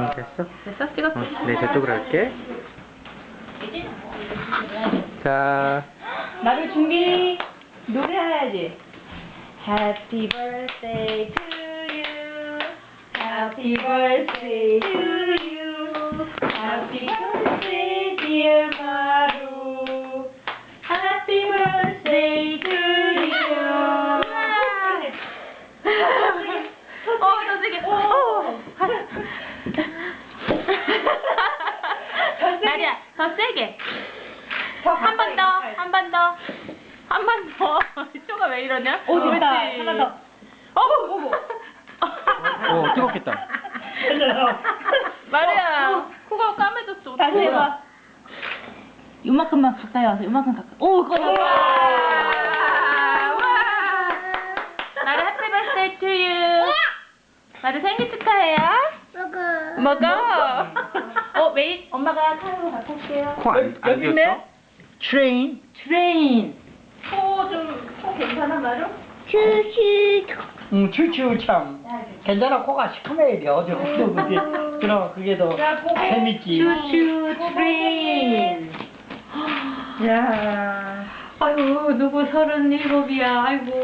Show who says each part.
Speaker 1: 됐어?
Speaker 2: 됐어? 찍었어?
Speaker 1: 네, 저쪽으로 할게. 자,
Speaker 2: 나를 준비. 노래해야지. Happy birthday to you. Happy birthday to you. Happy birthday dear 마루. Happy birthday to you. 더 세게. 나리야, 더 세게. 한 번 더, 한 번 더, 한 번 더. 쪼가 왜 이러냐?
Speaker 3: 됐다. 하나 더.
Speaker 2: 어머.
Speaker 1: 오, 뜨겁겠다.
Speaker 2: 마리야, 코가 까매졌어.
Speaker 3: 다시 해봐. 요만큼만 가까이 와서 요만큼 가까이. 오, 꺼졌다.
Speaker 2: 와. 나리 해피 버스데이 투 유. 나리 생일 축하해요. 먹어. 메이 엄마가 카드로 갖고 올게요.
Speaker 1: 코 안 꼈어?
Speaker 3: 트레인. 트레인.
Speaker 2: 코 괜찮아, 마루?
Speaker 3: 추추 참. 괜찮아, 코가 시커매야 돼. 어제 코도 그게. 그럼 그게 더 재밌지.
Speaker 2: 추추 트레인. 야. 아이고, 누구 37이야. 아이고.